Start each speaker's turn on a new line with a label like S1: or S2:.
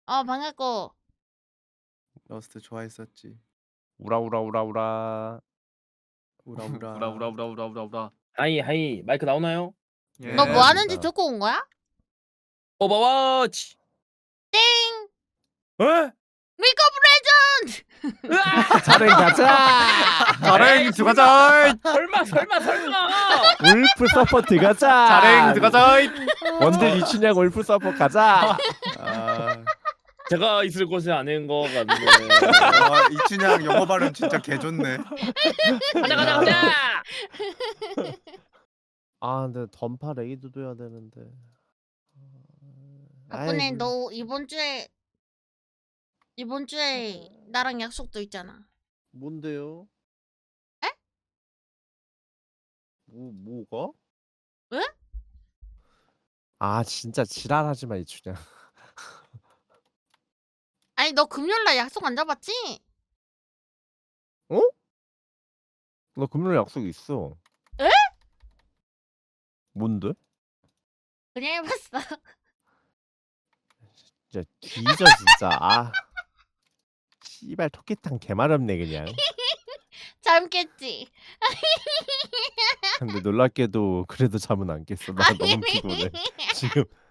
S1: 반갑고.
S2: 러스트 좋아했었지.
S3: 우라우라우라우라.
S2: 우라우라.
S4: 우라우라우라우라우라.
S5: 하이 하이 마이크 나오나요?
S2: 예.
S1: 너 뭐 하는지
S3: 맞습니다.
S1: 듣고 온 거야?
S5: 오버워치.
S1: 땡!
S5: 에?
S1: 리그 오브 레전드!
S3: 자랭 가자.
S4: 자랭 들어가자.
S5: 설마.
S3: 울프 서포트 가자.
S4: 자랭 들어가자.
S3: 원딜 이춘향 울프 서포트 가자.
S2: 아,
S5: 제가 있을 곳에 아닌 거 같네.
S2: 이춘향 영어 발음 진짜 개 좋네.
S5: 가자.
S3: 아 근데 던파 레이드도 해야 되는데.
S1: 덕분에
S3: 아이고.
S1: 너 이번 주에 나랑 약속도 있잖아.
S3: 뭔데요?
S1: 에?
S3: 뭐가?
S1: 왜?
S3: 아 진짜 지랄하지 마 이춘향.
S1: 아니 너 금요일날 약속 안 잡았지?
S3: 어? 나 금요일 약속 있어.
S1: 에?
S3: 뭔데?
S1: 그냥 해봤어.
S3: 진짜 뒤져 진짜. 아. 씨발 토끼탕 개마렵네 그냥.
S1: 잠 깼지?
S3: 근데 놀랍게도 그래도 잠은 안 깼어. 나 너무 피곤해. 지금